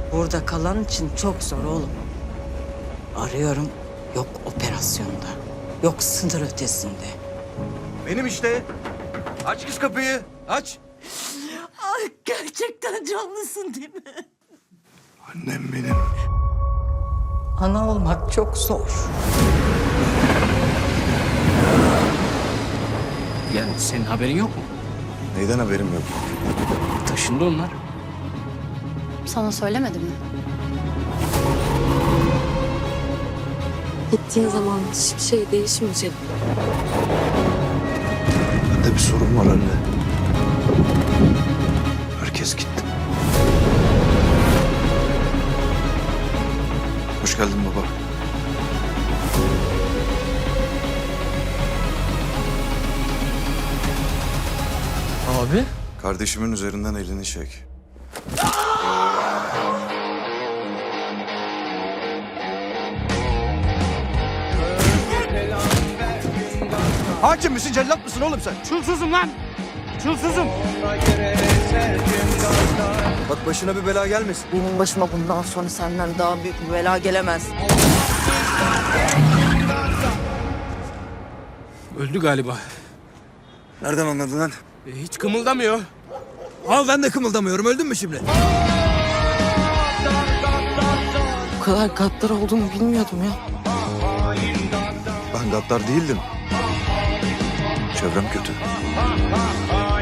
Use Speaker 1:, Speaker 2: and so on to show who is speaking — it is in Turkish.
Speaker 1: Burada kalan için çok zor oğlum. Arıyorum, yok operasyonda, yok sınır ötesinde.
Speaker 2: Benim işte. Aç kız kapıyı. Aç.
Speaker 1: Ay gerçekten canlısın değil mi?
Speaker 2: Annem benim.
Speaker 1: Ana olmak çok zor.
Speaker 3: Yani senin haberin yok mu?
Speaker 2: Neyden haberim yok?
Speaker 3: Taşındı onlar.
Speaker 4: Sana söylemedim mi?
Speaker 5: Gittiğin zaman hiçbir şey değişmeyecek.
Speaker 2: Bende bir sorun var anne. Herkes gitti. Hoş geldin baba.
Speaker 3: Abi?
Speaker 2: Kardeşimin üzerinden elini çek. Hakim misin, cellat mısın oğlum sen?
Speaker 3: Çulsuzum lan! Çulsuzum!
Speaker 2: Bak başına bir bela gelmesin.
Speaker 1: Benim başıma bundan sonra senden daha büyük bir bela gelemez.
Speaker 3: Öldü galiba.
Speaker 2: Nereden anladın lan?
Speaker 3: Hiç kımıldamıyor.
Speaker 2: Al ben de kımıldamıyorum. Öldün mü şimdi?
Speaker 1: Bu kadar gaddar olduğunu bilmiyordum ya.
Speaker 2: Ben gaddar değildim. Çevrem kötü.